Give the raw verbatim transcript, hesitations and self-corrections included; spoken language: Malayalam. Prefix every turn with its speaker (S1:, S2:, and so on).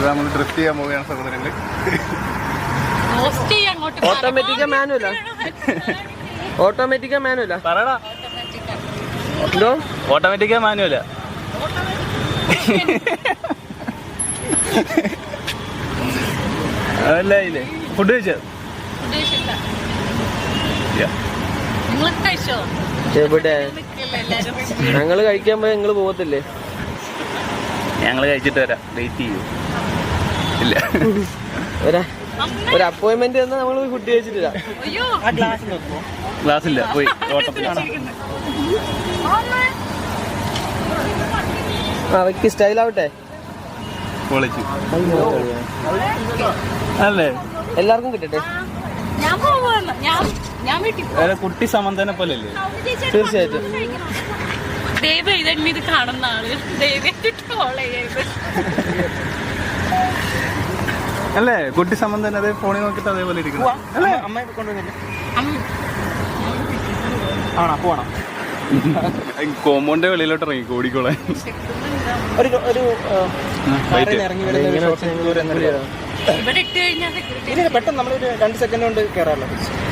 S1: നമ്മൾ ഡ്രിഫ്റ്റ് ചെയ്യാൻ പോവുകയാണ് സഹോദരങ്ങള്.
S2: ഓട്ടോമാറ്റിക്കാ മാനുവലാ? ഓട്ടോമാറ്റിക്കാ മാനുവലാ? പറയടാ. എന്തോ
S3: ഓട്ടോമാറ്റിക്കാ മാനുവലാ? അതല്ല ഇല്ലേ ഫുഡ് കഴിച്ചോ?
S2: എവിടെ ഞങ്ങള് കഴിക്കാൻ പോയി നിങ്ങള് പോകത്തില്ലേ?
S3: ഞങ്ങള് കഴിച്ചിട്ട് വരാം, വെയിറ്റ് ചെയ്യൂ. ഇല്ല,
S2: ഒരു അപ്പോയിന്റ്മെന്റ് തന്നാ നമ്മള് പോയി ഫുഡ് കഴിച്ചിട്ടില്ല.
S3: ക്ലാസ് ഇല്ല, പോയി ഓട്ടത്തിലാണ്.
S2: ആ വെക്ക്, സ്റ്റൈൽ ആവട്ടെ.
S3: പൊളിച്ചു അല്ലേ?
S2: എല്ലാവർക്കും കിട്ടട്ടെ.
S3: കുട്ടി സമന്തനെ പോലെ അല്ലേ?
S2: തീർച്ചയായിട്ടും.
S4: ഇത് കാണുന്ന ആള്
S1: അല്ലേ? കുട്ടി സമന്തൻ അതേ ഫോണിൽ നോക്കിട്ട് അതേപോലെ ഇരിക്കണം അല്ലേ?
S3: അമ്മയെ കൊണ്ടുവന്നില്ല.
S1: ആണോ? പോണം. കോമ്പൗണ്ട് വെളിയിലോട്ട് ഇറങ്ങി കോടിക്കോളാൻ.
S3: ഒരു ഒരു ഇറങ്ങി വരുന്ന
S4: ഇവിടെ ഇട്ട് കഴിഞ്ഞാൽ
S3: പെട്ടെന്ന് നമ്മളൊരു രണ്ട് സെക്കൻഡ് കൊണ്ട് കയറാമല്ലോ.